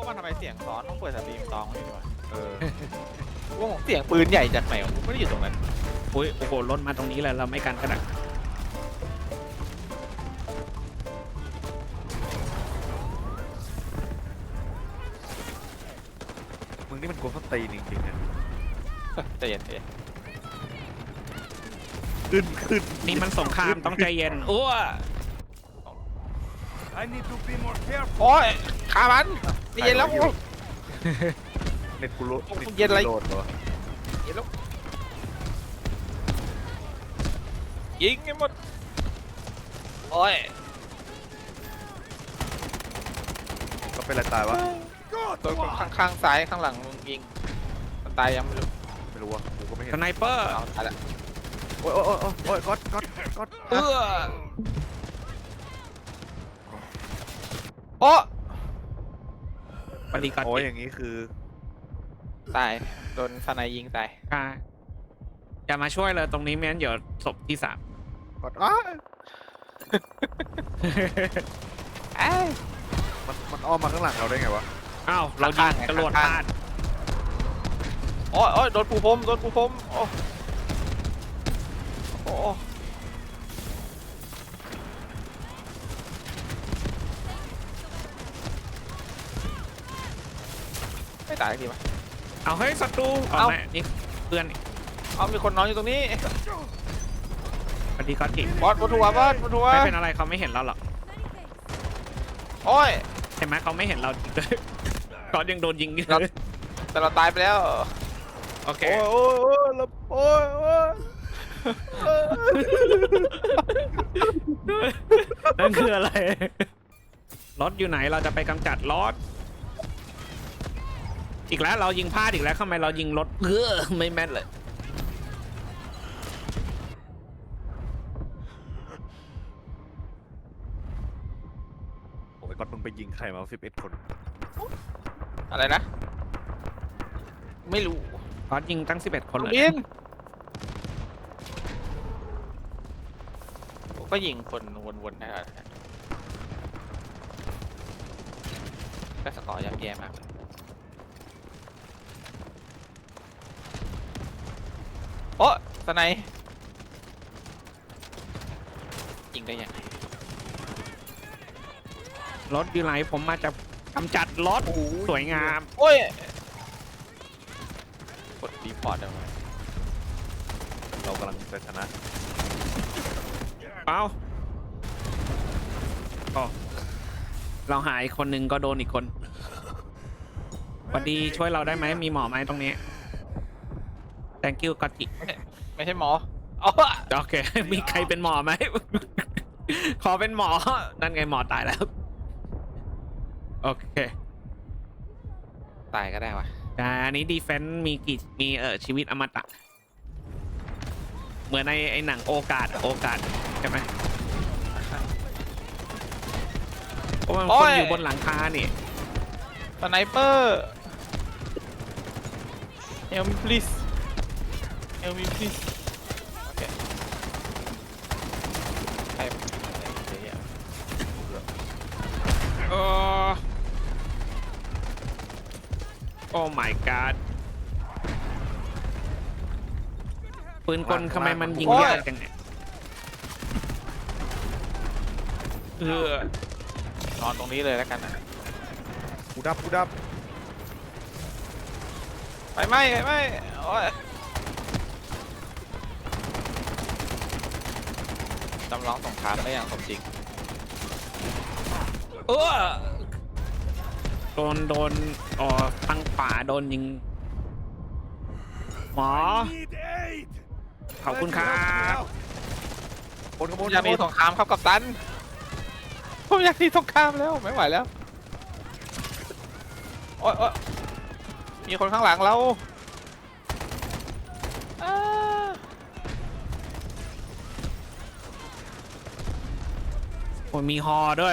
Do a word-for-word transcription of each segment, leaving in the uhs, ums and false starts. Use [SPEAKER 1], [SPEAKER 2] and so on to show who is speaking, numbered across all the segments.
[SPEAKER 1] ว่าทำไมเสียงซ้อนต้องเปิดสตรีมตองให้ด้วยเออว่าเสียงปืนใหญ่จากไหนวะไม่ได้อยู่ตรงนั้น
[SPEAKER 2] โอ้ยโอ้โหรถมาตรงนี้เลยเราไม่กันก็ได้
[SPEAKER 3] มึงนี่มันกลัวเขาตีจริงๆนะ
[SPEAKER 1] ใจเย็นใจเย็น
[SPEAKER 3] ขึ้นขึ้น
[SPEAKER 2] นี่มันสงครามต้องใจเย็นอ้ว
[SPEAKER 3] I need to be more careful
[SPEAKER 1] โอ้ยขามันใจเย็นแล้ว
[SPEAKER 3] เน็ตกูโหลด
[SPEAKER 1] เย็นอะไร
[SPEAKER 3] โหลดเหรอ
[SPEAKER 1] เย็นแล้วยิงให้หมดโอ้ย
[SPEAKER 3] ก็เป็นอะไรตายวะ
[SPEAKER 1] ตัวข้างข้างซ้ายข้างหลังมึงยิงมันตายยังไม่รู้
[SPEAKER 3] ไม่รู้วะกูก็ไม่เห็น
[SPEAKER 2] สไนเปอร์
[SPEAKER 1] เอาตายละ
[SPEAKER 3] โอ้ยโอ้ยโอ้ยโอ้ยก๊อตก๊อตก๊อต
[SPEAKER 1] เออโอ้
[SPEAKER 2] ปฏิกัติ
[SPEAKER 3] โอ้ยอย่างนี้คือ
[SPEAKER 1] ตายโดนสไนยิงตาย
[SPEAKER 2] กาอย่ามาช่วยเลยตรงนี้ไม่งั้นเดี๋ยวศพที่สาม
[SPEAKER 3] ก๊อตอ้าว
[SPEAKER 1] เอ้ย
[SPEAKER 3] มันมันอ้อมมาข้างหลังเราได้ไงวะ
[SPEAKER 2] อ้าวเรายิงกระโดดพลาด
[SPEAKER 1] โอ้ยโอ้ยโดนปูพรมโดนปูพรมโอ้โอ้ไม่ตายทีมั้ย
[SPEAKER 2] เอาเฮ้ยศัตรูเอา
[SPEAKER 1] เอา
[SPEAKER 2] ไหมนี่เพื่อนนี่
[SPEAKER 1] เอามีคนนอนอยู่ตรงนี้
[SPEAKER 2] ปฏิกัติ
[SPEAKER 1] บอสบนหัวบอสบนหัว
[SPEAKER 2] ไม่เป็นอะไรเขาไม่เห็นเราหรอก
[SPEAKER 1] โอ้ย
[SPEAKER 2] เห็นไหมเขาไม่เห็นเราจริงเลยก่อนยังโดนยิงอยู่
[SPEAKER 1] เรา แต่เราตายไปแล้ว
[SPEAKER 2] โอเค
[SPEAKER 1] โอ้ยโอ้ยโอ้ยโอ้ยโอ้ย
[SPEAKER 2] นั่นคืออะไรรถอยู่ไหนเราจะไปกำจัดรถอีกแล้วเรายิงพลาดอีกแล้วทำไมเรายิงรถเออไม่แม่นเลย
[SPEAKER 3] โอ้ยก๊อตมึงไปยิงใครมาสิบเอ็ดคน
[SPEAKER 1] อะไรนะไม่รู้
[SPEAKER 2] ก๊อตยิงตั้งสิบเอ็ดคนเลย
[SPEAKER 1] บินผมก็ยิงคนวนๆนะครับก็สกอร์ยับแย่มากโอ้สไนยิงได้ยังไง
[SPEAKER 2] รถอยู่ไหนผมมาจะกำจัดรถสวยงาม
[SPEAKER 1] โอ้ยกดรีพอร์ตเอาไว้
[SPEAKER 3] เรากำลังจะชนะ
[SPEAKER 2] เปล่าอ๋อเราหายคนหนึ่งก็โดนอีกคนพอดีช่วยเราได้ไหมมีหมอไหมตรงนี้ thank you กัตจิ
[SPEAKER 1] ไม่ใช่หมออ๋อ
[SPEAKER 2] โอเค มีใครเป็นหมอไหม ขอเป็นหมอ นั่นไงหมอตายแล้ว โอเค
[SPEAKER 1] ตายก็ได้วะ
[SPEAKER 2] แต่อันนี้ดีเฟนต์มีกี่มีเออชีวิตอมตะ เหมือนในไอ้หนังโอกาสอะโอกาสใช่ไหมเพราะมันคนอยู่บนหลังคานี่
[SPEAKER 1] สไนเปอร์ help me please help me please โอเคใครเดี๋ยว
[SPEAKER 2] โอ้โอ้ my god ปืนกลทำไมมันยิงยากจังเนี่ยเออน
[SPEAKER 1] อนตรงนี้เลยแล้วกันนะ
[SPEAKER 3] กูดับกูดับ
[SPEAKER 1] ไฟไหม้ไฟไหม้โอ้ยจำลองสงครามได้อย่างสมจริง
[SPEAKER 2] เออโดนโดนอ๋อทางป่าโดนยิง หมอ ขอบคุณครับ
[SPEAKER 3] คนขโมย
[SPEAKER 1] อยากมีสงครามครับกัปตันผมอยากมีสงครามแล้วไม่ไหวแล้วโอ๊ยโอ๊ยมีคนข้างหลังเราอ้า
[SPEAKER 2] โอ้ยมีฮอด้วย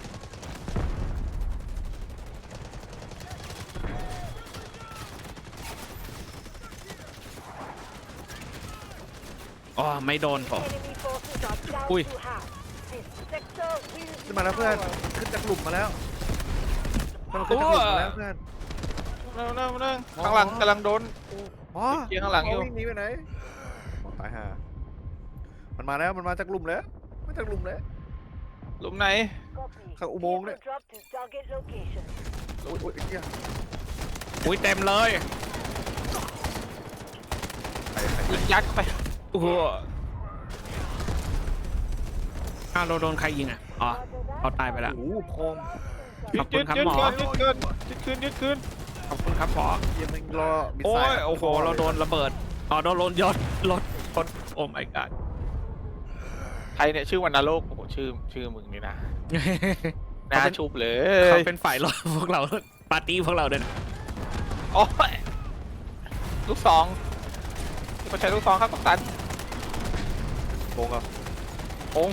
[SPEAKER 2] อ๋อ ไม่โดนผม อุ้ย
[SPEAKER 3] ขึ้นมาแล้วเพื่อนขึ้นจากหลุมมาแล้วมันขึ้นทางหลุดมาแล้วเพื่อน
[SPEAKER 1] นั่งนั่งนั่งข้างหลังกำลังโดน
[SPEAKER 3] หมอ
[SPEAKER 1] เกียร์ข้างหลังอยู่
[SPEAKER 3] วิ่งหนีไปไหนหมอตายห่ามันมาแล้วมันมาจากหลุมแล้วมาจากหลุมแล้ว
[SPEAKER 1] หลุมไหน
[SPEAKER 3] เข้าอุโมงค์เนี่ยโอ้ยโอ้ยไอ้เหี้ย
[SPEAKER 2] อุ้ยเต็มเลย
[SPEAKER 3] ใครใครใคร
[SPEAKER 1] ยิงยัดเข้าไป
[SPEAKER 2] โอ้โหอ้าวเราโดนใครยิงอ่ะอ๋อเขาตายไปแล้ว
[SPEAKER 3] โอ้โหพอง
[SPEAKER 2] ขอบคุณครับ
[SPEAKER 1] ยึด
[SPEAKER 2] หมอ
[SPEAKER 1] ยึดคืนยึดคืนยึดคืน
[SPEAKER 2] ขอบคุณครับหมอ
[SPEAKER 3] เหี้ยังมึงรอมิส
[SPEAKER 2] โอ้
[SPEAKER 3] ไซ
[SPEAKER 2] ย
[SPEAKER 3] ล์
[SPEAKER 2] โอ้โหเราโดนระเบิดอ๋อโดนโดนยศรถรถโอ้ my god
[SPEAKER 1] ใครเนี่ยชื่อวันนรกโอ้โหชื่อชื่อมึงนี่นะน่าชุบเล
[SPEAKER 2] เขา
[SPEAKER 1] ย
[SPEAKER 2] เป็นฝ่ายรถพวกเราปาร์ตี้พวกเราด้วยนะ
[SPEAKER 1] โอ้ยลูกสองเขาใช้ลูกสองครับกัปตัน
[SPEAKER 3] โกงครับ
[SPEAKER 1] โอ้ง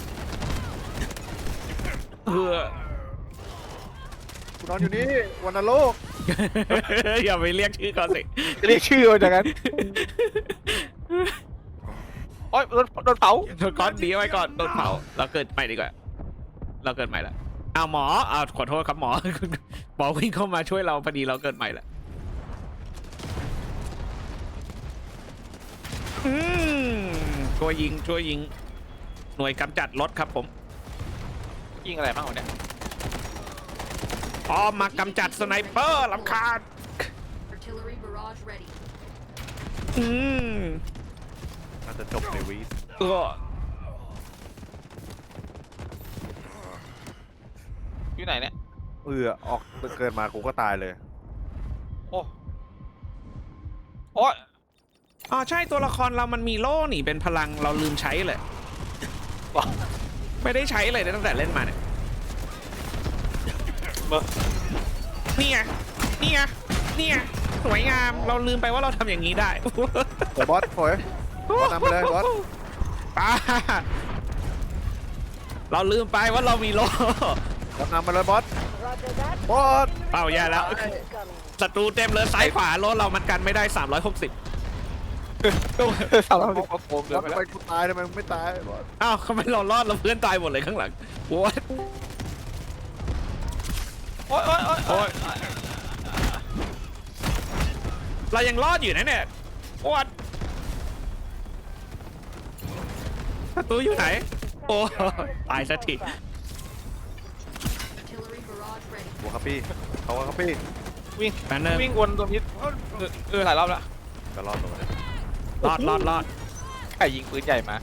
[SPEAKER 2] เออ
[SPEAKER 3] กูนอนอยู่นี่วันนรก
[SPEAKER 2] อย่าไปเรียกชื่อเขาสิ
[SPEAKER 1] จะเรียกชื่อมันอย่างนั้นโอ้ยโดนโดนเผา
[SPEAKER 2] ก้อนดีไว้ก่อนโดนเผาเราเกิดใหม่ดีกว่าเราเกิดใหม่ละอ้าวหมออ้าวขอโทษครับหมอ หมอวิ่งเข้ามาช่วยเราพอดีเราเกิดใหม่ละอืมช่วยยิงช่วยยิงหน่วยกำจัดรถครับผม
[SPEAKER 1] ยิงอะไรบ้างวะเนี่ย
[SPEAKER 2] อ๋อมากำจัดสไนเปอร์ลำคาญ
[SPEAKER 4] Artillery barrage ready.
[SPEAKER 2] อืม
[SPEAKER 3] น่าจะจบในวี
[SPEAKER 2] เออ
[SPEAKER 1] อยู่ไหนเนี่ย
[SPEAKER 3] เออออกเกิดมากูก็ตายเลย
[SPEAKER 1] โอ้โอ้ย
[SPEAKER 2] อ๋อใช่ตัวละครเรามันมีโล่หนีเป็นพลังเราลืมใช้เลย
[SPEAKER 1] ว้าว
[SPEAKER 2] ไม่ได้ใช้เลยตั้งแต่เล่นมาเนี่ย
[SPEAKER 1] เบอร์
[SPEAKER 2] นี่ไงนี่ไงนี่ไงสวยงามเราลืมไปว่าเราทำอย่างนี้ได้
[SPEAKER 3] เดี๋ยวบอสโอยบอสนำไปเลยบอส
[SPEAKER 2] ป้าเราลืมไปว่าเรามีโล่
[SPEAKER 3] บอสนำไปเลยบอสบอส
[SPEAKER 2] เปล่าแย่แล้วศัตรูเต็มเลยซ้ายขวาโล่เรามันกันไม่ได้สามร้อยหกสิบ
[SPEAKER 1] สาวเราดิโกง
[SPEAKER 3] บ
[SPEAKER 1] เกิ
[SPEAKER 3] อน ส
[SPEAKER 1] ไปแล้
[SPEAKER 3] ไป
[SPEAKER 1] ว
[SPEAKER 3] กูตายทำไมมึงไม่ตายบอส
[SPEAKER 2] อ้าวทำไมเรารอดเราเพื่อนตายหมดเลยข้างหลังโว้ย
[SPEAKER 1] โอ้ยโอ้ยโอ้ย
[SPEAKER 2] โอ้ยเรายังรอดอยู่นะเนี่ยโอ้ยศัตรูอยู่ไหนโอ้ตายสักที
[SPEAKER 4] Artillery barrage ready.
[SPEAKER 3] บัวครับพี่เขาว่าครับพี่
[SPEAKER 1] วิ่ง
[SPEAKER 2] แบนเนอร์
[SPEAKER 1] วิ่งวนตัวพิษเออหลายรอบแล้ว
[SPEAKER 3] จะรอดตัวนี้
[SPEAKER 2] รอดรอดรอด
[SPEAKER 1] ใครยิงปืนใหญ่มา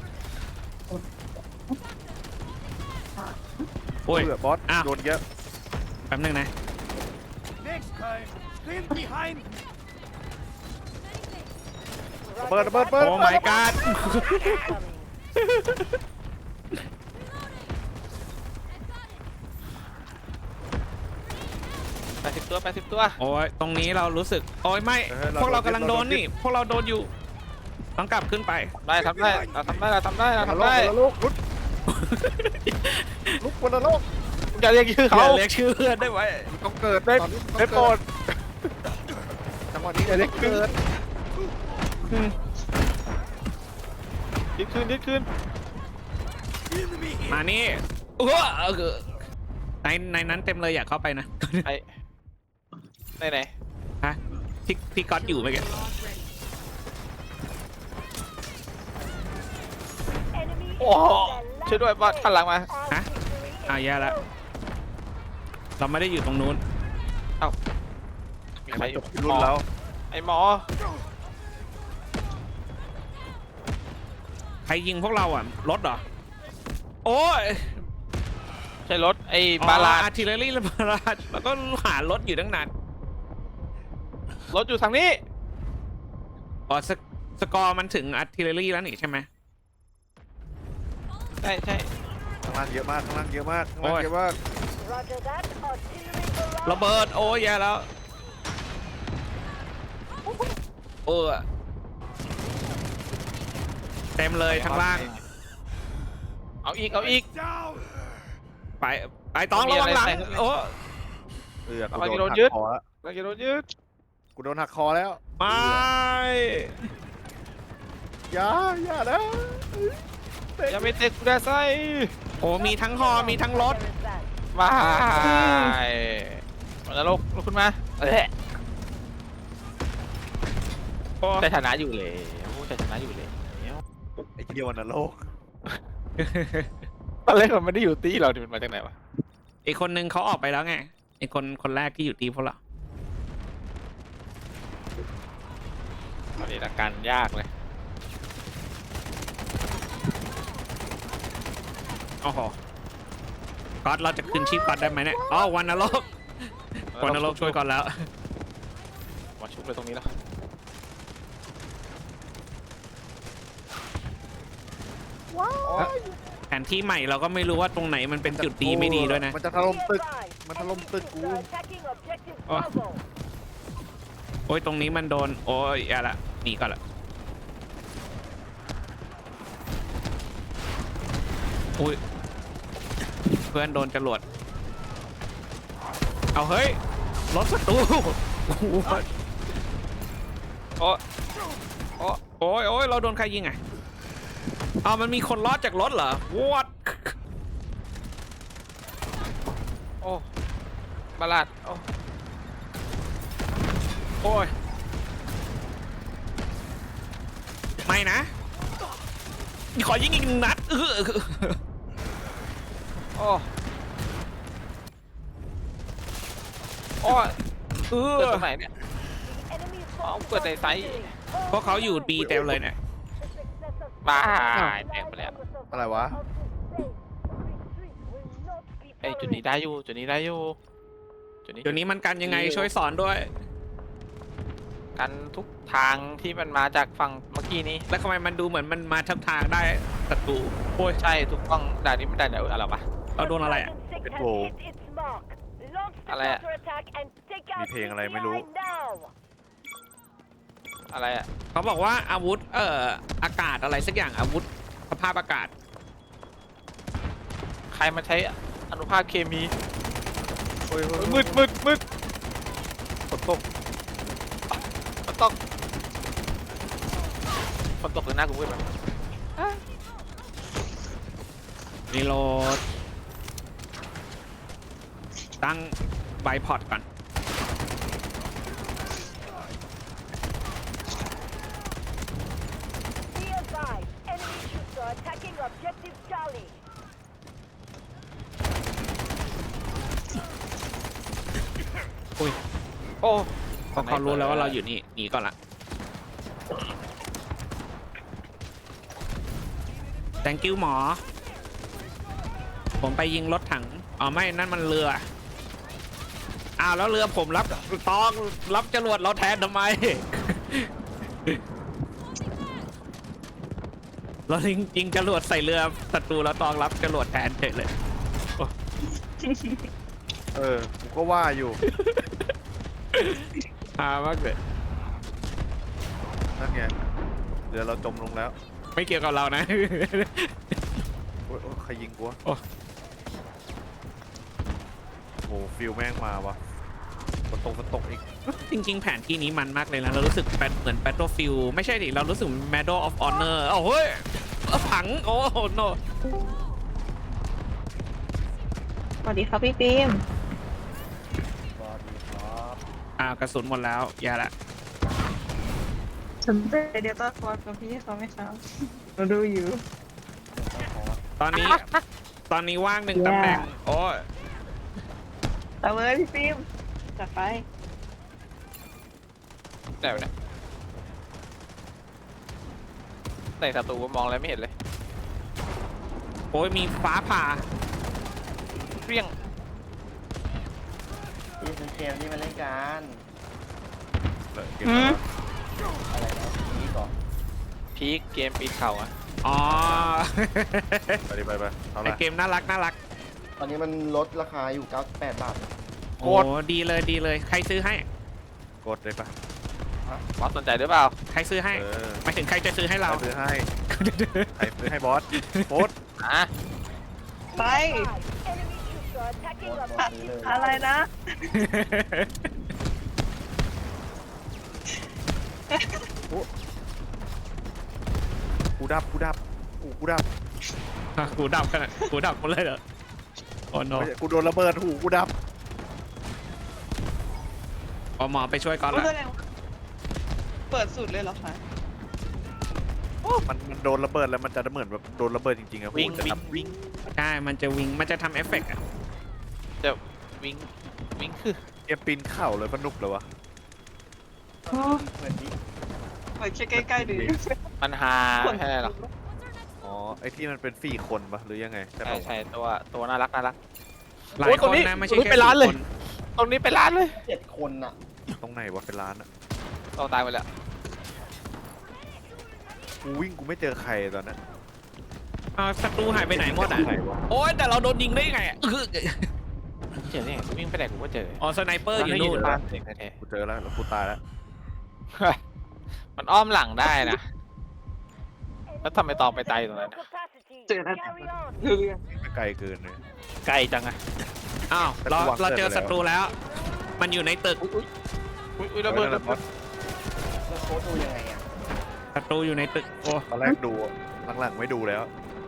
[SPEAKER 2] โอ้ย
[SPEAKER 3] เออบอส
[SPEAKER 2] อ้าว
[SPEAKER 3] โดนเยอะ
[SPEAKER 2] แป๊บนึงนะ
[SPEAKER 3] ระเบิดระเบิดระเบิด
[SPEAKER 2] โอ้ my god
[SPEAKER 1] แปดสิบตัวแปดสิบตัว
[SPEAKER 2] โอ้ยตรงนี้เรารู้สึกโอ้ยไม่พวกเรากำลังโดนนี่พวกเราโดนอยู่ต้องกลับขึ้นไป
[SPEAKER 1] ได้ทำได้เราทำได้เราทำได้เรา
[SPEAKER 3] วัน
[SPEAKER 1] ทำ
[SPEAKER 3] นร
[SPEAKER 1] ได้
[SPEAKER 3] กวันนรกลุกลุกวันนรก
[SPEAKER 1] มึงจะเรียกชื่อ
[SPEAKER 2] เขา
[SPEAKER 1] เขา
[SPEAKER 2] เรียกชื่อเพื่อนได้ไหม
[SPEAKER 3] มึงต้องเกิด
[SPEAKER 1] ได้
[SPEAKER 3] ตอนนี้มึง
[SPEAKER 1] ได้
[SPEAKER 3] ต้อง
[SPEAKER 1] โปร
[SPEAKER 3] เกิ
[SPEAKER 1] ด
[SPEAKER 3] จังหวะนี้อย่าเรียกเกิด
[SPEAKER 1] ยึดคืนยึดคืน
[SPEAKER 2] มานี่เออเออในในนั้นเต็มเลยอยากเข้าไปนะ
[SPEAKER 1] ไอ้ไหนไหน
[SPEAKER 2] ฮะพี่พี่ก๊อตอยู่ไหมแก
[SPEAKER 4] Enemy
[SPEAKER 1] โอ้โหช่วยด้วยบอสขันหลังมา
[SPEAKER 2] ฮะอ้าวแย่แล้วเราไม่ได้อยู่ตรงนู้น
[SPEAKER 1] มีใครอ
[SPEAKER 3] จ
[SPEAKER 1] ยู่
[SPEAKER 3] บที่รุ่นแล้ว
[SPEAKER 1] ไอ้หมอ
[SPEAKER 2] ใครยิงพวกเราอ่ะรถเหรอโอ้ย
[SPEAKER 1] ใช่รถไอ้บาลา
[SPEAKER 2] อาร์ติเลอรี่และบาลาดแล้วก็หารถอยู่ตั้งนาน
[SPEAKER 1] รถอยู่ทางนี้
[SPEAKER 2] อ๋อสกสกอร์มันถึงอาร์ติเลอรี่แล้วนี่ใช่ไหม
[SPEAKER 1] ใช่ใช่
[SPEAKER 3] ข้างล่างเยอะมากข้างล่างเยอะมากข้างล่าง
[SPEAKER 2] โอ้ย
[SPEAKER 3] เยอะมาก
[SPEAKER 4] Roger that. Artillery barrage.
[SPEAKER 2] ระเบิดโอ้ยแย่แล้วเออเต็มเลยข้างล่าง
[SPEAKER 1] เอาอีกเอาอีก
[SPEAKER 2] ไปไปต้องระวังหลัง
[SPEAKER 1] มีอะไรใส่
[SPEAKER 2] โอ้
[SPEAKER 3] เออกู
[SPEAKER 1] เอาไป
[SPEAKER 3] โดน
[SPEAKER 1] โดน
[SPEAKER 3] หัก
[SPEAKER 1] ยึด
[SPEAKER 3] คอแล้ว
[SPEAKER 1] เราจะโดนยึด
[SPEAKER 3] กูโดนหักคอแล้ว
[SPEAKER 2] ไม่
[SPEAKER 3] อย่าอย่านะ
[SPEAKER 1] อย่าไปเตะกูได้ไส้
[SPEAKER 2] โอ้มีทั้งฮอมีทั้งรถ
[SPEAKER 4] There is that.
[SPEAKER 1] มามันนรกลุกขึ้นมาเอ้ย
[SPEAKER 2] โอ้
[SPEAKER 1] ชัยชนะอยู่เลยชัยชนะอยู่เลย
[SPEAKER 3] ไอ้เดียวนะโลก
[SPEAKER 1] ตอนแรกมันไม่ได้อยู่ตีเราดิมันมาจากไหนวะ
[SPEAKER 2] อีกคนนึงเขาออกไปแล้วไงไอ้คนคนแรกที่อยู่ทีมพวกเรา
[SPEAKER 1] ตอนนี้อาการยากเลย
[SPEAKER 2] โอ้โหก๊อตเราจะคืนชีพก๊อตได้ไหมเนี่ยอ๋อวันนรกวันนรกช่วยก่อนแล้ว
[SPEAKER 1] มาชุบเลยตรงนี้แล้ว
[SPEAKER 2] แผนที่ใหม่เราก็ไม่รู้ว่าตรงไหนมันเป็นจุดดีไม่ดีด้วยนะ
[SPEAKER 3] มันจะถล่มตึก มันถล่มตึกกู
[SPEAKER 4] Are attacking objective
[SPEAKER 2] Oh.
[SPEAKER 4] Bravo.
[SPEAKER 2] โอ้ยตรงนี้มันโดนโอ้ยอย่าละหนีก่อนละอุ้ยเพื่อนโดนจรวดเอาเฮ้ยรถศัตรูโอ้โห
[SPEAKER 1] โอ้โอ้
[SPEAKER 2] โอ้ยโอ้ยเราโดนใครยิงอ่ะอ้าวมันมีคนรอดจากรถเหรอ what
[SPEAKER 1] โอ้บาลาดโอ้
[SPEAKER 2] โอ้ยไม่นะขอยิงอีกหนึ่งนัดเออ
[SPEAKER 1] โอ้โอ้
[SPEAKER 2] เอ
[SPEAKER 1] เกิด
[SPEAKER 2] อ
[SPEAKER 1] ตรงไหนเนี่ย
[SPEAKER 4] Enemy
[SPEAKER 1] Ông
[SPEAKER 4] forces
[SPEAKER 1] quên
[SPEAKER 4] are
[SPEAKER 1] này tay.
[SPEAKER 4] victory.
[SPEAKER 2] พวกเขาอยู่บีเต็มเลยเนี่ย
[SPEAKER 4] The success of
[SPEAKER 1] บ้า
[SPEAKER 4] Bravo
[SPEAKER 1] แตกไปแล้ว
[SPEAKER 4] relies on the
[SPEAKER 3] อะไรวะ
[SPEAKER 4] survival of this base. Retreat will not be
[SPEAKER 1] ไอยจุดนี้
[SPEAKER 4] tolerated.
[SPEAKER 1] ได้อยู่จุดนี้ได้อยู่จุดนี้
[SPEAKER 2] เดี๋ยวนี้มันกันยังไงช่วยสอนด้วย
[SPEAKER 1] กันทุกทางที่มันมาจากฝั่งเมื่อกี้นี้
[SPEAKER 2] แล้วทำไมมันดูเหมือนมันมาทับทางได้ศัตรูโอ้ย
[SPEAKER 1] ใช่ถูกต้องด่านนี้มันด่านไหนอะไรวะ
[SPEAKER 2] เราโดนอะไรอ่ะ
[SPEAKER 4] Dragon six
[SPEAKER 3] It
[SPEAKER 4] has
[SPEAKER 3] will-
[SPEAKER 4] hit its mark. Launch the
[SPEAKER 1] อะไรอะ
[SPEAKER 4] counterattack and take out
[SPEAKER 3] มีเพลงอะไร
[SPEAKER 4] C P I
[SPEAKER 3] ไม่รู้
[SPEAKER 4] now.
[SPEAKER 1] อะไรอะ
[SPEAKER 2] เขาบอกว่าอาวุธเอ่ออากาศอะไรสักอย่างอาวุธสภาพอากาศ
[SPEAKER 1] ใครมาใช้อนุภาคเคมี
[SPEAKER 3] โอ้ยโอ้ย
[SPEAKER 1] มืดมืดมืดฝนตกฝนตกฝนตกเลยหน้ากูมืดไหม
[SPEAKER 2] รีโหลดตั้งไบพอร์ตก่อน
[SPEAKER 4] Be advised, enemy troops are attacking objective Charlie.
[SPEAKER 2] อุ้ย
[SPEAKER 1] โอ้
[SPEAKER 2] เพราะเขารู้แล้วว่าเราอยู่นี่หนีก่อนละ thank you หมอ ผมไปยิงรถถังอ๋อไม่นั่นมันเรืออ้าวแล้วเรือผมรับตองรับจรวดเราแทนทำไม เรายิงยิงจรวดใส่เรือศัตรูแล้วตองรับจรวดแทนเฉยเลย
[SPEAKER 3] เออ กูก็ว่าอยู่
[SPEAKER 2] ฮามากเลย
[SPEAKER 3] นั่นไงเดี๋ยวเราจมลงแล้ว
[SPEAKER 2] ไม่เกี่ยวกับเรานะ
[SPEAKER 3] โอ้ยโอ้ยใครยิงกูวะ
[SPEAKER 2] โอ้
[SPEAKER 3] โอ้โหฟิลแม่งมาวะฝนตกฝนตกอีก
[SPEAKER 2] จริงๆ แผนที่นี้มันมากเลยนะ เรารู้สึกเป็นเหมือน Battlefield ไม่ใช่ดิ เรารู้สึก Medal of Honor โอ้โหยผัง โอ้โห no
[SPEAKER 5] สวัสดีครับพี่ฟิล์ม
[SPEAKER 2] อ่ากระสุนหมดแล้วอย่าละ
[SPEAKER 5] สนใจเดลต้าฟอร์กับพี่เขาไหมครับเราดูอยู่
[SPEAKER 2] ตอนนี้ ตอนนี้ว่างหนึ่งตำแหน่ง โอ้ย
[SPEAKER 5] เอาเลยพี่ฟิล์มจัดไป
[SPEAKER 1] แต่เนี่ยแต่ศัตรูมองอะไรไม่เห็นเลย
[SPEAKER 2] โอ้ยมีฟ้าผ่า
[SPEAKER 1] เปรี้ยง
[SPEAKER 6] ที่เป็นเกมที่มาเล่นกัน
[SPEAKER 3] เลยเก็บแล้ว
[SPEAKER 6] อะไรนะนี้ก่อน
[SPEAKER 1] พีคเกมปีนเขาอะ
[SPEAKER 2] อ๋อ
[SPEAKER 3] ไปดิไปไปเอา
[SPEAKER 2] ไอ
[SPEAKER 3] ละ
[SPEAKER 2] เกมน่ารักน่ารัก
[SPEAKER 6] ตอนนี้มันลดราคาอยู่เก้าสิบแปดบาท
[SPEAKER 2] โอ้ดีเลยดีเลย ใครซื้อให้
[SPEAKER 3] กดเลยปะ
[SPEAKER 1] บอสสนใจหรือเปล่า
[SPEAKER 2] ใครซื้อให้
[SPEAKER 3] เออ
[SPEAKER 2] หมายถึงใครจะซื้อให้
[SPEAKER 3] ใคร
[SPEAKER 2] เรา
[SPEAKER 3] ซื้อให้ใครซื้อให้บอสโพสต์
[SPEAKER 1] อ่ะ
[SPEAKER 5] ไป
[SPEAKER 4] Enemy troops are attacking
[SPEAKER 6] หมด
[SPEAKER 4] objective
[SPEAKER 6] ซื้อเลย
[SPEAKER 5] อะไรนะ
[SPEAKER 3] กูดับกูดับกูกูดับ
[SPEAKER 2] กูดับขนาดกูดับหมดเลยเหรอ โอ้ no
[SPEAKER 3] ไม่ใช่กูโดนระเบิดหูกูดับ
[SPEAKER 2] พอหมอไปช่วยก่อน
[SPEAKER 5] ก็
[SPEAKER 2] ละ
[SPEAKER 5] แสดงว่าเปิดสุดเลยเหรอคะ
[SPEAKER 3] มันมันโดนระเบิดแล้วมันจะเหมือนแบบโดนระเบิดจริงๆอะ
[SPEAKER 1] วิ่ง
[SPEAKER 3] จะ
[SPEAKER 1] วิ่
[SPEAKER 3] ท
[SPEAKER 1] งวิ่ง
[SPEAKER 2] ใช่มันจะวิ่งมันจะทำเอฟเฟกต์อะ
[SPEAKER 1] จะวิ่งวิ่งคือ
[SPEAKER 3] ำเกมปีนเข่าเลยสนุกเลยวะ
[SPEAKER 6] เหมือนที่
[SPEAKER 5] เปิดแค่ใกล้ๆดู
[SPEAKER 1] มันฮาไม่ใช่หรอก
[SPEAKER 3] อ๋อไอที่มันเป็นสี่คนปะหรือยังไงใช่
[SPEAKER 1] ใช่
[SPEAKER 3] ปะ
[SPEAKER 1] ใช่ตัวตัวน่ารักน่ารัก
[SPEAKER 2] หลา
[SPEAKER 1] โอ้
[SPEAKER 2] ย
[SPEAKER 1] ย
[SPEAKER 2] ค
[SPEAKER 1] ตรง
[SPEAKER 2] น
[SPEAKER 1] นี้
[SPEAKER 2] นะไม่ใช่
[SPEAKER 1] ตรงนี้
[SPEAKER 2] แค่
[SPEAKER 1] เป็นร้านเลย
[SPEAKER 2] สี่ค
[SPEAKER 1] ตรงนี้เป็นร้านเลย
[SPEAKER 6] เจ็ดคนอะ
[SPEAKER 3] ตรงไหนวะเป็นร้านอะ
[SPEAKER 1] เราตายไปแล้ว
[SPEAKER 3] กูวิ่งกูไม่เจอใครตอนนั้น
[SPEAKER 2] อ้าวศัตรูหายไปไหนหมดอ่ะ
[SPEAKER 3] ไหนวะ
[SPEAKER 2] โอ๊ยแต่เราโดนยิงได้ยังไงอะอื้อ
[SPEAKER 1] เจอเนี่ยวิ่งไปไหนกูก็เจอ
[SPEAKER 2] อ๋อสไนเปอร์อยู่นู่น
[SPEAKER 1] บ้านเด็กแท้
[SPEAKER 3] กูเจอแล้วแล้วกูตายแล้ว
[SPEAKER 1] ๆมันอ้อมหลังได้นะ แล้วทำไมตองไปตายอยู่ตรงนั้นน่ะ
[SPEAKER 5] เจอแล้ว
[SPEAKER 4] Carry on.
[SPEAKER 5] คือ
[SPEAKER 3] ไม่ไกลเกินเลย
[SPEAKER 1] ไกลจังอะ
[SPEAKER 2] อ้าวเรา
[SPEAKER 3] แต่กูวาง
[SPEAKER 2] เราเจอ
[SPEAKER 3] เสร็
[SPEAKER 2] ศั
[SPEAKER 3] จไปแล้ว
[SPEAKER 2] ตรูแล้ว มันอยู่ในตึก
[SPEAKER 1] อุ้ยอุ้ยระเบิดระเบิด
[SPEAKER 6] แล้วโค้ดดูยังไงอะ
[SPEAKER 2] ศัตรูอยู่ในตึกโอ้
[SPEAKER 3] ตอนแรกดูหลังๆไม่ดูแล้ว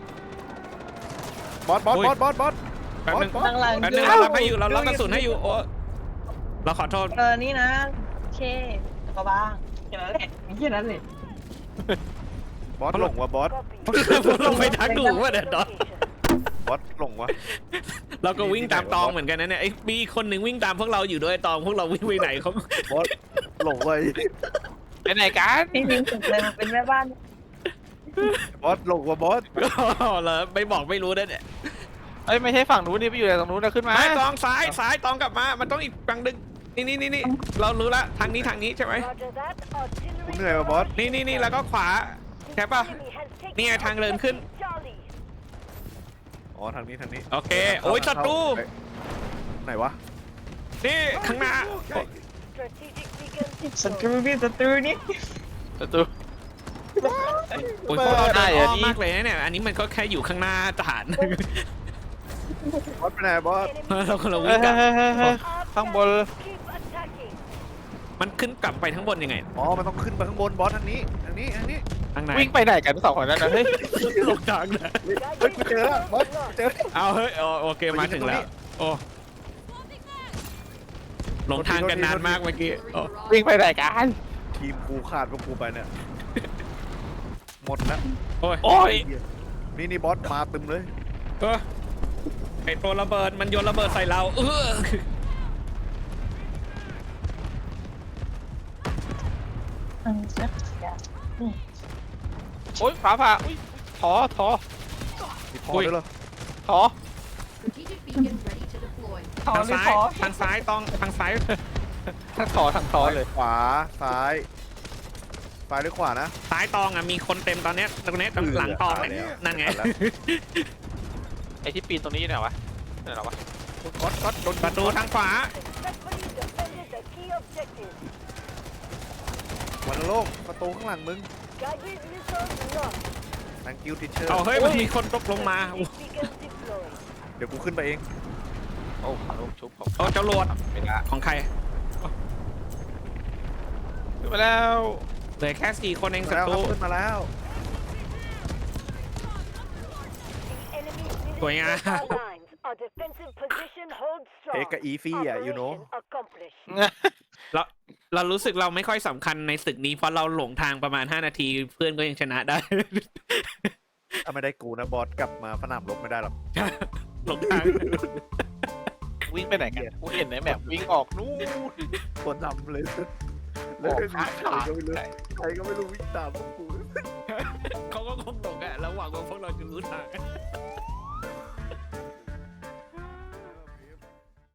[SPEAKER 3] บอสบอส
[SPEAKER 2] อุ้ย
[SPEAKER 3] บอสบอสบอส
[SPEAKER 2] แป๊บนึง
[SPEAKER 3] บอส
[SPEAKER 5] หลัง
[SPEAKER 2] แป๊บ
[SPEAKER 5] ๆ
[SPEAKER 2] นึ
[SPEAKER 5] ดู
[SPEAKER 2] งเรารับให้อยู่เรารับกระสุนให้อยู่โอ้เราขอโทษ
[SPEAKER 5] เออนี่นะโอเคก็บ้างแค่นั้นแหละมีแค่นั้นเลย
[SPEAKER 3] บอสหลงวะบอส
[SPEAKER 4] Copy.
[SPEAKER 2] ลงไปทักดูว่าเด็ดดอ
[SPEAKER 3] บอสหลงวะ
[SPEAKER 2] เราก็วิ่งตามตองเหมือนกันนะเนี่ยไอ้มีคนหนึ่งวิ่งตามพวกเราอยู่ด้วยตองพวกเราวิ่งไปไหนเขา
[SPEAKER 3] บอสหลงไป
[SPEAKER 1] ไปไหนกัน
[SPEAKER 5] พี่พิงสุดเลยมันเป็นแม่บ้าน
[SPEAKER 3] บอสหลงวะบอส
[SPEAKER 2] เหรอไม่บอกไม่รู้นะเนี่ย
[SPEAKER 1] เอ้ยไม่ใช่ฝั่งนู้นนี่ไปอยู่ไหนตรงนู้นนะขึ้นมา
[SPEAKER 2] ไม่ตองซ้ายซ้ายตองกลับมา มันต้องอีกฝั่งหนึงนี่นี่นี่นี่เรารู้ละทางนี้ทางนี้ใช่ไหม
[SPEAKER 4] Roger that.
[SPEAKER 3] กู
[SPEAKER 4] Artillery.
[SPEAKER 3] เหนื่อยวะบอส
[SPEAKER 2] นี่นี่นี่แล้วก็ขวา แค่ปะ
[SPEAKER 4] Enemy has taken
[SPEAKER 2] นี่ไงทางเดินขึ้น
[SPEAKER 4] Charlie.
[SPEAKER 3] อ๋อทางนี้ทางนี้
[SPEAKER 2] โอเค โอ้ยศัตรู
[SPEAKER 3] ไหนวะ
[SPEAKER 2] นี่ข้างหน้า
[SPEAKER 4] Strategic beacon
[SPEAKER 5] ศัตรู
[SPEAKER 4] deployed.
[SPEAKER 5] พี่ศัตรูนี่
[SPEAKER 1] ประตู
[SPEAKER 2] โอ้ยพวกเรา
[SPEAKER 1] ได้
[SPEAKER 2] ได้
[SPEAKER 1] เหรอ
[SPEAKER 2] อ้อม
[SPEAKER 1] นี่
[SPEAKER 2] มากเลยนะเนี่ย อันนี้มันก็แค่อยู่ข้างหน้าฐาน
[SPEAKER 3] บอสไปไหนบอส
[SPEAKER 2] เราคนเรา
[SPEAKER 1] เฮ้
[SPEAKER 2] วิ่
[SPEAKER 1] ย
[SPEAKER 2] งกลับ
[SPEAKER 1] เฮ้ยเฮ้ยเฮ้ย
[SPEAKER 4] Our
[SPEAKER 1] ข้างบน
[SPEAKER 4] tanks keep attacking.
[SPEAKER 2] มันขึ้นกลับไปทั้างบนยังไง
[SPEAKER 3] อ๋อมันต้องขึ้นไปข้างบนบอสทางนี้ทางนี้ทางนี้
[SPEAKER 2] ทางไหน
[SPEAKER 1] วิ่งไปไหนกันสองคนนั้นนะเฮ้ย
[SPEAKER 2] ลงทางนะ
[SPEAKER 3] เฮ้ยกูเจอแล้วบอสเจอ
[SPEAKER 2] เอาเฮ้ยอ๋อโอเคมาถึงแล้ว โอ้หลงทางกันนานมากเมื่อกี้โอ้
[SPEAKER 1] วิ่งไปไหนกัน
[SPEAKER 3] ทีมกูขาดพวกกูไปเนี่ยหมดแล้ว
[SPEAKER 2] โอ้ย
[SPEAKER 1] โอ้ย
[SPEAKER 3] นี่นี่บอสมาตึมเลย
[SPEAKER 2] เออไอตัวระเบิดมันโยนระเบิดใส่เราเออ
[SPEAKER 5] อืมนะ
[SPEAKER 1] โอ้ยฟ้าผ่าอุ้ยถอถอ
[SPEAKER 3] มีพอด้วยเหรอ
[SPEAKER 1] ถอ
[SPEAKER 7] Strategic beacon ready to deploy.
[SPEAKER 5] ขอ
[SPEAKER 2] ทาง
[SPEAKER 5] หรือ
[SPEAKER 2] ซ้าย
[SPEAKER 5] ขอ
[SPEAKER 2] ทางซ้ายต้องทางซ้าย
[SPEAKER 1] ทั้งถอทั้งถอเลย
[SPEAKER 3] ขวาซ้ายซ้ายหรือขวานะ
[SPEAKER 2] ซ้ายตองอ่ะมีคนเต็มตอนเนี้ยตรงเนี้ยตรงหลังตอง
[SPEAKER 3] ตาย
[SPEAKER 2] เนี่ย
[SPEAKER 3] แล้ว
[SPEAKER 2] นั่นไง
[SPEAKER 3] ตายแล้ว
[SPEAKER 1] ไอ้ที่ปีนตรงนี้อยู่ไหนวะไหนหรอวะ
[SPEAKER 3] ก๊อตก๊อตโดน
[SPEAKER 2] ประตูทางขวา
[SPEAKER 4] Successfully defended the key objective.
[SPEAKER 3] วันโลกประตูข้างหลังมึง
[SPEAKER 4] Guided missiles launched.
[SPEAKER 3] thank you teacher
[SPEAKER 2] เอาเฮ้ยมันมีคนตกลงมา
[SPEAKER 4] Strategic beacon deployed.
[SPEAKER 3] เดี๋ยวกูขึ้นไปเอง
[SPEAKER 1] โอ้ลูกชุบผม
[SPEAKER 2] โอ้เจ้าโหลด
[SPEAKER 1] ไม่ได้
[SPEAKER 2] ของใคร
[SPEAKER 1] ขึ้นมาแล้ว
[SPEAKER 2] เหลือแค่สี่คนเองศั
[SPEAKER 3] แล้ว
[SPEAKER 2] ต
[SPEAKER 3] ครั
[SPEAKER 2] รู
[SPEAKER 3] บขึ้นมาแล้ว
[SPEAKER 4] The enemy's
[SPEAKER 2] Going
[SPEAKER 4] middle
[SPEAKER 2] on.
[SPEAKER 4] lines. Our defensive position holds strong.
[SPEAKER 3] เทคกับอีฟี่อ่ะ you know
[SPEAKER 4] Operation accomplished.
[SPEAKER 2] เราเรารู้สึกเราไม่ค่อยสำคัญในศึกนี้เพราะเราหลงทางประมาณห้านาทีเพื่อนก็ยังชนะได้
[SPEAKER 3] ถ้าไม่ได้กูนะบอสกลับมาสนามรบไม่ได้หรอก
[SPEAKER 2] หลงทาง
[SPEAKER 1] วิ่งไปไหนกันกูเห็นในแมปวิ่งออกนู่น
[SPEAKER 3] คนทำเลย
[SPEAKER 1] อ
[SPEAKER 3] แล้ว
[SPEAKER 1] อก
[SPEAKER 3] ก็มี
[SPEAKER 1] ข้าง
[SPEAKER 3] ใคร
[SPEAKER 1] ทาง
[SPEAKER 3] ก็ไม่รู้ใครก็ไม่รู้วิ่งตามพวกกู
[SPEAKER 2] เขาก็คงหลงอะแล้วหวังว่าพวกเราจะรู้ทาง